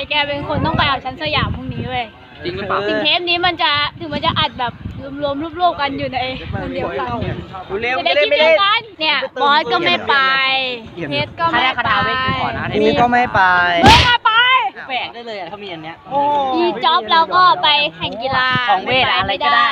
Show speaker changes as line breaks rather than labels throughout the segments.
แกเป็นคนต้องไปเอาชั้นสยามพรุ่งนี้เว้ย
จริงหรือเปล่า
ถึงเทปนี้มันจะอัดแบบรวมๆรวบๆกันอยู่ในคนเดียวกันจะได้คิดเดียวกันเนี่ยบอสก็ไม่ไปเพชรก็ไม่ไป
มีก็ไม่ไป
ไม่ไป
แฝงได้เลยถ้ามีอันเนี้ย
อีจ็อบแล้วก็ไปแข่งกีฬา
ของเวทอะไรก็ได้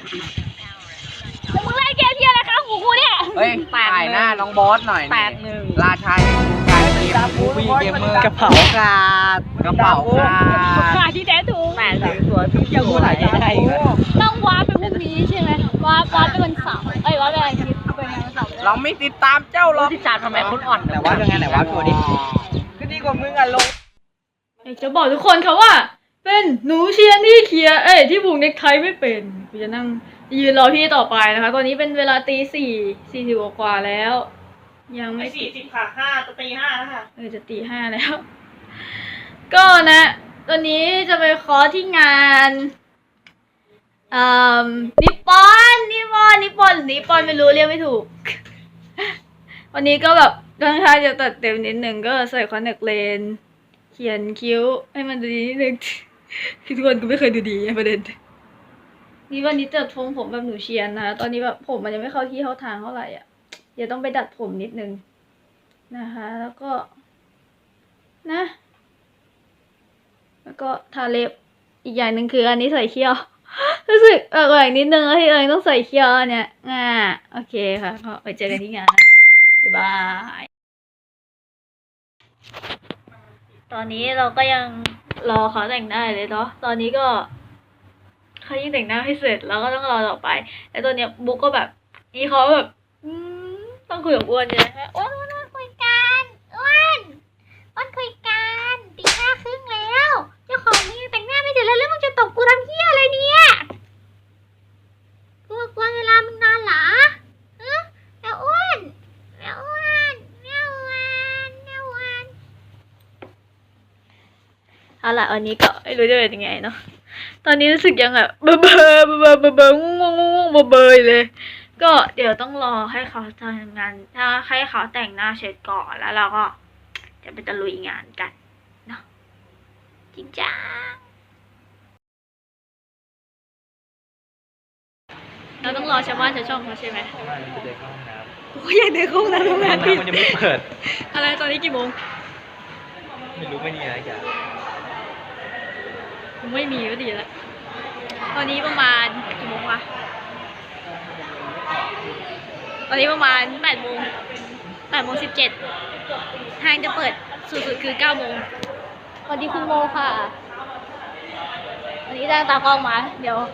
มึงไล่เกมที่อะไรคะหูกูเนี่ย
เฮ้ยถ่ายหน้าน้องบอสหน่อย8-1ราชัยการเกมมูฟี่เกมเมอร์
กระเป๋ากาด
ขาที่แท้ถูก
8-1สวยพี่ยังพูดหลายได้
ต้องว้าไปพรุ่งนี้ใช่ไหมว้าไปวันเสาร์ว้าไปวันอาทิตย์ไปวันเสาร์
เราไม่ติดตามเจ้าหรอกติดตามทำไมคุณอ่อนแต่ว่าเป็นไงไหนว่าตัวดิก็ดีกว่ามึงอ่ะลง
จะบอกทุกคนค่ะว่าเป็นหนูเชียร์ที่เคียร์ที่ผูกเน็กไทไม่เป็นกูจะนั่งยืนรอพี่ต่อไปนะคะตอนนี้เป็นเวลาตี40กว่าแล้วยังไม่
40ค่ะ5จะตี5แล้วค่ะ
จะตี5แล้วก็นะตอนนี้จะไปคอร์สที่งานนิปปอนไม่รู้เรียกไม่ถูกวันนี้ก็แบบค่อนข้างจะตัดเต็มนิดนึงก็ใส่คอนแทคเลนส์เขียนคิ้วให้มันดูดีนิดนึงทุกคนก็ไม่เคยดูดีประเด็นนี่วันนี้เจอทรงผมแบบหนูเชียนนะตอนนี้แบบผมมันยังไม่เข้าที่เข้าทางเท่าไหร่อ่ะเดี๋ยวต้องไปดัดผมนิดนึงนะคะแล้วก็นะแล้วก็ทาเล็บอีกอย่างหนึ่งคืออันนี้ใส่เขี้ยวรู้สึกอีกนิดนึงที่ต้องใส่เขี้ยวเนี่ยโอเคค่ะก็ไปเจอกันที่งานนะบ๊ายบายตอนนี้เราก็ยังรอเขาแต่งหน้าเลยเนาะตอนนี้ก็เขายิ่งแต่งหน้าให้เสร็จแล้วก็ต้องรอต่อไปแต่ตัวเนี้ยบุ๊กก็แบบนี่เขาแบบต้องคุยกับอ้วนใช่ไหมอ้วน
คุยกันอ้วนคุยกันตี 5:30แล้วเจ้าของมึงยังแต่งหน้าไม่เสร็จแล้วมึงจะตบกูทำเหี้ยอะไรเนี่ยกูกลัวเวลามึงนานเหรอแล้วอ้วนเอาล่ะวันนี้ก็ไม่รู้จะเป็นยังไงเนาะตอนนี้รู้สึกยังแบบเบอเลยก็เดี๋ยวต้องรอให้เขาทำงานถ้าให้เขาแต่งหน้าเสร็จก่อนแล้วเราก็จะไปตะลุยงานกันเนาะจริงจังเราต้องรอชาวบ้านชาวช่องเขาใช่ไหมกูอยากเดินเข้าห้องน้ำทำงาน
มันยังไม่เปิด
อะไรตอนนี้กี่โมง
ไม่รู้ไม่มีอะไรกัน
ไม่มีก็ดีแล้วตอนนี้ประมาณกี่โมงวะตอนนี้ประมาณ8:17ห้างจะเปิดสุดๆคือ9:00สวัสดีคุณโมค่ะวันนี้จ้างตากล้องมาเดี๋ยว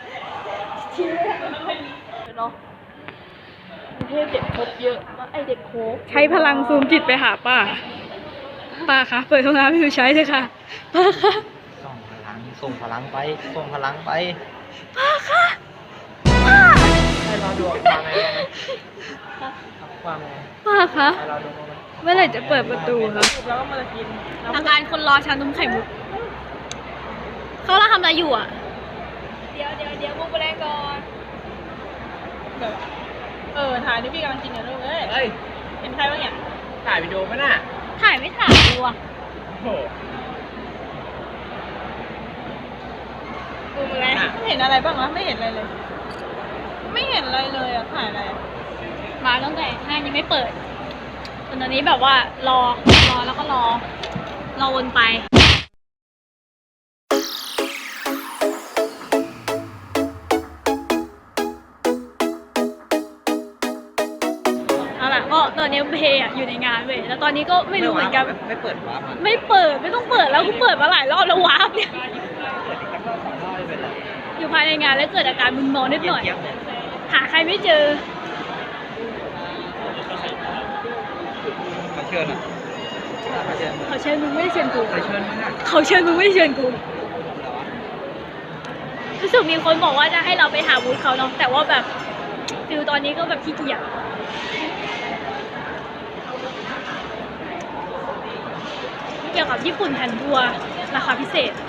เนาะกรุงเทพเด็กครบเยอะเด็กโคบใช้พลังซูมจิตไปหาป้าคะเปิดห้องน้ำให้ดูใช้เลยค่ะป้าคะ
ส่งพลังไป
ป้าคะ
ให้เราดู
ป้าคะเมื่อไหร่จะเปิดประตูคะ
แล้วก็มากิน
อาการคนรอชานมไข่มุกเขาทำอะไรอยู่อ่ะเดี๋ยวมุกไปแรงก่อน
ถ่ายนี่พี่กำลังกินอยู่เลยเห็นใครบ้างเนี่ยถ่ายวิดีโอป่ะน่ะ
ถ่ายไม่ถ่ายดูอ่ะ
โอ้
อะไร
ไม่เห็นอะไรบ้างวะไม่เห็นอะไรเลยอ่ะถ่ายอะไร
มาตั้งแต่ห้างยังไม่เปิดตอนนี้แบบว่ารอแล้วก็รอวนไปเอาล่ะก็ตอนนี้เพย์อยู่ในงานเว้ยแล้วตอนนี้ก็ไม่รู้เหมือนกัน
ไม่เปิดวาร์ป
ไม่ต้องเปิดแล้วกูเปิดมาหลายรอบแล้ววาร์ปเนี่ยอยู่ภายในงานแล้วเกิดอาการมึนเมานิดหน่อยหาใครไม่เจอ
เขาเชิญ
มึงไม่ได้เชิญกู
เขาเชิญ
มึงไม่ได้เชิญกูรู้สึกมีคนบอกว่าจะให้เราไปหาบูธเขาเนาะแต่ว่าแบบฟิลตอนนี้ก็แบบขี้เกียจเกี่ยวกับญี่ปุ่นแผ่นทัวร์ราคาพิเศษ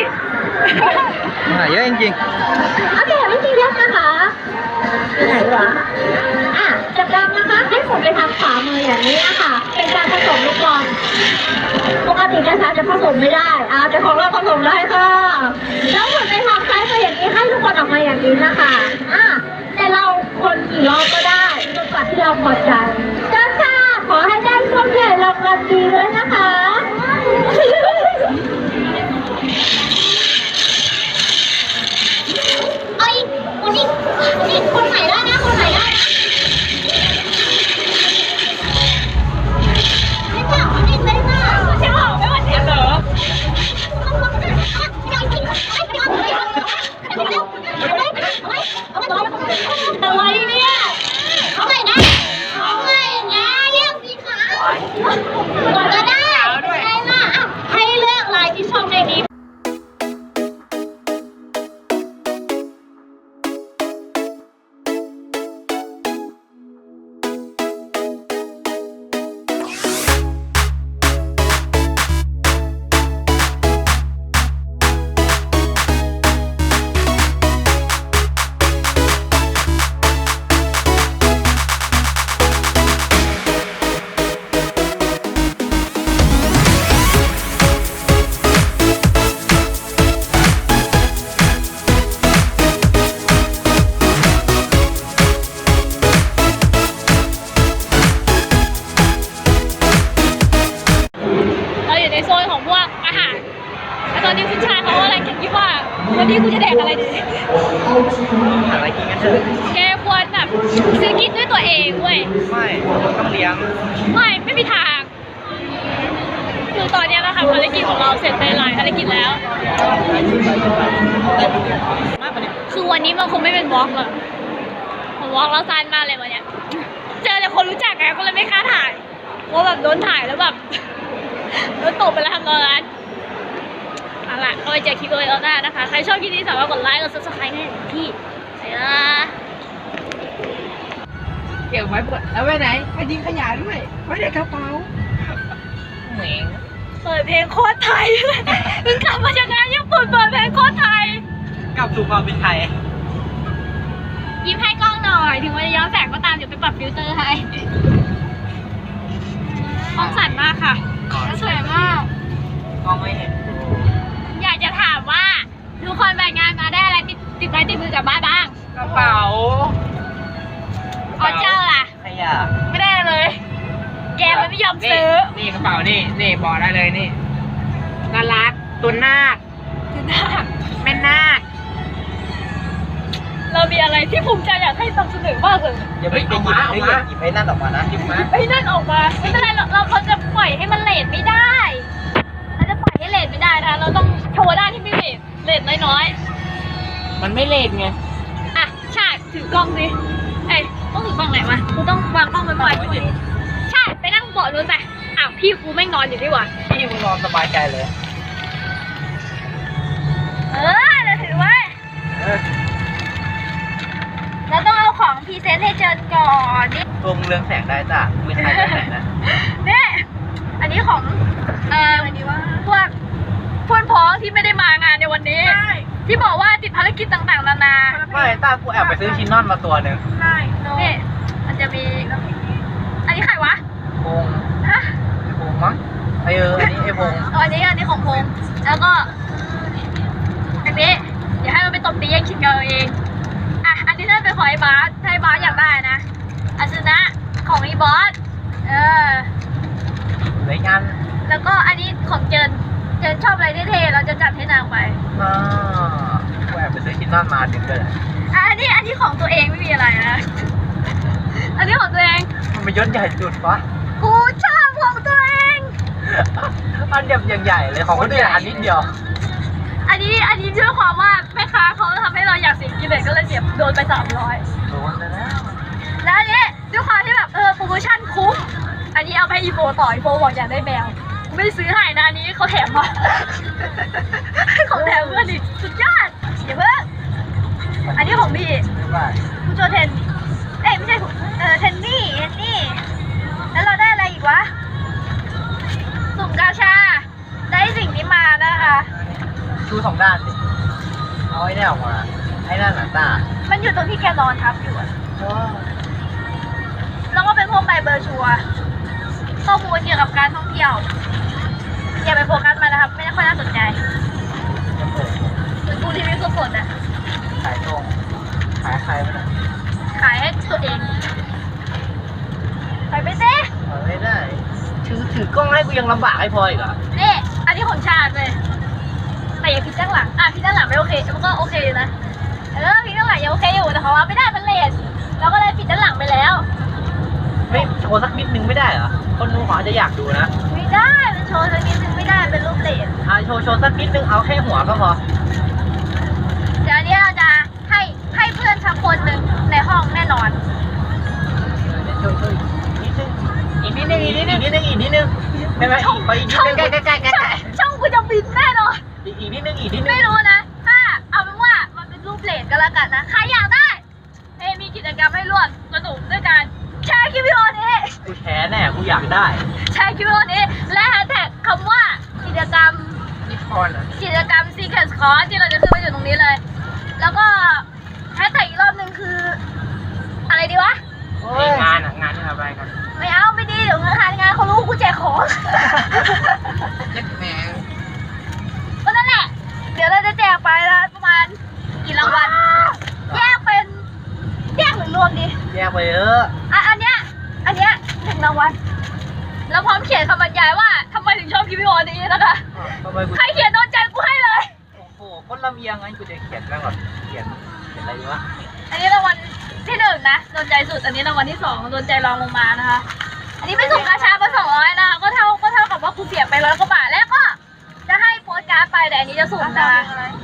เยอะจริง
โอเควิธีเลือกนะคะอยู่ไหนวะจับดำนะคะให้ผมไปทางขวามืออย่างนี้ค่ะเป็นการผสมลูกบอลปกตินะคะจะผสมไม่ได้แต่ของเราผสมได้ค่ะแล้วหมุนไปทางซ้ายมืออย่างนี้ให้ลูกบอลออกมาอย่างนี้นะคะแต่เราคนกี่รอบก็ได้จนกว่าที่เราพอใจเจ้าค่ะขอให้ได้ส้มใหญ่รางวัลดีด้วยนะคะเอ้ยคนนี้คนไหนได้นะคนไหนได้นะไม่เปล่าไม่เปล่าใช่เปล่าไม่ว่าเสียเหรออะไรเนี่ยเอาใหม่นะเอาใหม่นะเรียกสีขาวก็ได้ได้มาให้เลือกลายที่ชอบในนี้
เราอยู่ในโซนของพวกอาหารแล้วตอนนี้คุณชายเขาอะไรคิดว่าวันนี้กูจะแดกอะไรดี
ๆอะไรกินกันเถอะ
แกควรแบบซื้อกินด้วยตัวเองเว้ย
ไม่ต้องเลี้ยง
ไม่มีทาง คือตอนนี้นะคะภารกิจของเราเสร็จไปหลายภารกิจแล้ว คือวันนี้มันคงไม่เป็นวอล์กหรอกผมวอล์กแล้วสั้นมากเลยวันเนี้ย เจอแต่คนรู้จักไงก็เลยไม่กล้าถ่ายเพราะแบบโดนถ่ายแล้วแบบ โดนตบไปแล้วทำตอนนั้นเอาล่ะก็ไปเจอคลิปเลยแล้วหน้านะคะ ใครชอบคลิปนี้สามารถกดไลค์กด subscribe ให้พี่ใส่ละ
เก็บไว้เปิดแล้วไปไหนไปทิ้งขยะด้วยไว้ในกระเป๋าเหม่ง
เปิดเพลงโคตรไทย เพิ่งกลับมาจากงานญี่ปุ่นเปิดเพลงโคตรไทย
กลับสู่ความเป็นไทย
ยิ้มให้กล้องหน่อย ถึงมันจะย้อนแสงก็ตามเดี๋ยวไปปรับฟิลเตอร์ให้กล้องสั่นมากค่ะสวยมาก
ก็ไม่เห็น
อยากจะถามว่าทุกคนไปงานมาได้อะไรติดไม้ติดมือกลับบ้านบ้าง
กระเป๋า
อ๋อเจ้าล่ะ
ขยะ
ไม่ได้เลย แกมันไม่ยอมซื้อ
นี่กระเป๋านี่บอกได้เลยนี่น่ารักตัวนาคแม่นาค
เรามีอะไรที่ภูมิใจอยากให้นำเสนอมากเลย
อย่าไปหยิบไอ้นั่นออกมานะหยิบมา
ไอ้นั่นออกมาไม่เป็นไรเราจะปล่อยให้มันเลทไม่ได้เราจะปล่อยให้เลทไม่ได้นะคะเราต้องโชว์ด้านที่ไม่เลทน้อย
มันไม่เลนไง
ๆอ่ะใช่ถือกล้องสิเอ้ยต้องถือกล้องไหนวะกูต้องวางกล้องไว้ก่อนใช่ไปนั่งเบาะนู้นไปอ้าวพี่กูไม่งนอนอยู่ดีกว่า
พี่มึงนอนสบายใจเลย
เราถือไว้เราต้องเอาของพรีเซนต์ให้เจอก่อนนี่
ตัวมึงเรืองแสงได้จ้ะมือไทยเรืองแสงนะ
นี่อันนี้ของพวกเพื่อนพ้องที่ไม่ได้มางานในวันนี้ ที่บอกว่าติดภารกิจต่างๆนานา
ไม่ตากูแอบไปซื้อชิ้นนอนมาตัวหนึ่ง
นี่มันจะมี อันนี้ใครวะ
พง
ฮะ
ไอ้พงมั้งอันนี้ไอ้พง
อันนี้ของพงษ์แล้วก็อันนี้เดี๋ยวให้มันไปตบตีแย่งชิงกันเอาเองอ่ะอันนี้น่าเป็นของไอ้บาสถ้าไอ้บาสอยากได้นะอาซึนะของไอ้บอส
เหลืออีกอัน
แล้วก็อันนี้ของเจนชอบอะไรเท่ๆเราจะจัดให้นางไป
กูแอบไปซื้อชิ้นนอนมาถึงเลย
อันนี้ของตัวเองไม่มีอะไรนะ อันนี้ของตัวเอง
มันเป็นยศใหญ่สุดปะ
กูชอบของตัวเอง
อันแบบอย่างใหญ่เลยของคนอื่นอันนิดเดียว
อันนี้ด้วยความว่าแม่ค้าเขาทำให้เราอยากเสียกิเลสก็เลยเสียโดนไป300
โดนไปแล้ว
แล้วอันนี้ด้วยความที่แบบโปรโมชั่นคุ้ม อันนี้เอาไปให้อีโฟต่ออีโฟบอกอยากได้แมวไม่ซื้อให้นะอันนี้เขาแถมมา เขาแถมเพื่อนดิสุดยอดอย่าเพิ่งอันนี้ของพี่คุณโจเทนไม่ใช่เทนนี่แล้วเราได้อะไรอีกวะสุ่มกาชาได้สิ่งนี้มานะคะ
ชูสองด้านสิเอาไอ้เนี่ยออกมาไอ้นั่นหนาตา
มันอยู่ตรงที่แกนอนทับอยู่อะแล้วก็เป็นพวกใบเบอร์ชัวร์ข้อมูลเกี่ยวกับการท่องเที่ยวอย่าไปโฟกัสมันนะครับ ไม่ได้ค่อยน่าสนใจเหมือนกูที่ไม่คือฝนนะ
ขายตรงขายใครมัน
ขายให้ตัวเองไปไปเซ่
ไม่ได้ถือกล้องให้กูยังลำบากให้พออีกเหรอ
นี่อันนี้ของชาติเลยแต่อย่าพิดด้านหลังพิดด้านหลังไม่โอเคมันก็โอเคนะพิดด้านหลังยังโอเคอยู่แต่เขาว่าไม่ได้มันเลนเราก็เลยปิดด้านหลังไปแล้ว
ไม่โชว์สักนิดนึงไม่ได้เหรอคนดูเขาอาจจะอยากดูนะ
ไม่ได้มันโชว์สักนิดนึงไม่ได้เป็นรูปเลน
โชว์สักนิดนึงเอาแค่หัวก็พอ
เดี๋ยวนี้เราจะให้เพื่อนสักคนหนึ่งในห้องแน่นอน
ช่วยอีกนิดนึงใช่ไหมไปอีกนิดนึงใกล้
ช่องกูจะบินแน่นอน
อีกนิดนึง
ไม่รู้นะถ้าเอาเป็นว่ามันเป็นรูปเลนก็แล้วกันนะใครอยากได้มีกิจกรรมให้ร่วมสนุกด้วยการแชร์คลิปวิดีโอนี้
กูแชร์แน่กูอยากได้
แชร์คลิปวิดีโอนี้และแฮชแท็กคำว่ากิจกรรม
นิคอนอ่ะ
กิจกรรม Secret Course ที่เราจะขึ้นมาอยู่ตรงนี้เลย แล้วก็แฮชแท็กอีกรอบนึงคือ อะไรดีวะ
งานที่ทำอะไรกัน
ไม่เอาไม่ดีเดี๋ยวงานเขารู้กูแจกของ
เล็กแมง
ก็นั่นแหละ เดี๋ยวเราจะแจกไปแล้วประมาณกี่รางวัลแยกหรือรวมดี
แยกไปเยอะ
อันเนี้ย1 รางวัลแล้วพร้อมเขียนคำบรรยายว่าทำไมถึงชอบคลิปวิดีโอนี้นะคะ
ทำไมกู
ใครเขียนโดนใจกูให้เลย
โอ้โหคนลำเอียงไงกูจะเขียนแม่งแบบเขียนอะไรดีวะ
อันนี้รางวัลที่1นะโดนใจสุด อันนี้รางวัลที่2โดนใจรองลงมานะคะ อันนี้ไปส่งกาชามา200นะคะก็เท่ากับว่ากูเสียไป100 กว่าบาทแล้วก็จะให้โปสการ์ดไปแต่อันนี้จะสุ่มนะ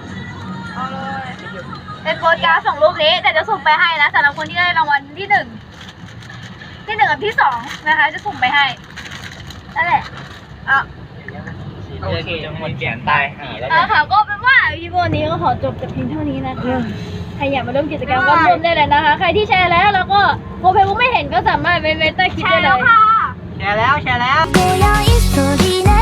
เป็นโปสการ์ด2 รูปนี้แต่จะสุ่มไปให้นะสำหรับคนที่ได้รางวัลที่1กับที่2นะคะจะสุ่มไปให้นั่นแหละ
โอเคจะหมดเขียนตายแล้ว
ค่ะก็เป็นว่าคลิปวันนี้ก็ขอจบแต่เพียงเท่านี้นะคะใครอยากมาร่วมกิจกรรมก็ร่วมได้เลยนะคะ ใครที่แชร์แล้วก็โปรไฟล์ไม่เห็นก็สามารถไปใต้คลิปได้เลย
แชร์แล้ว
強いストーリーな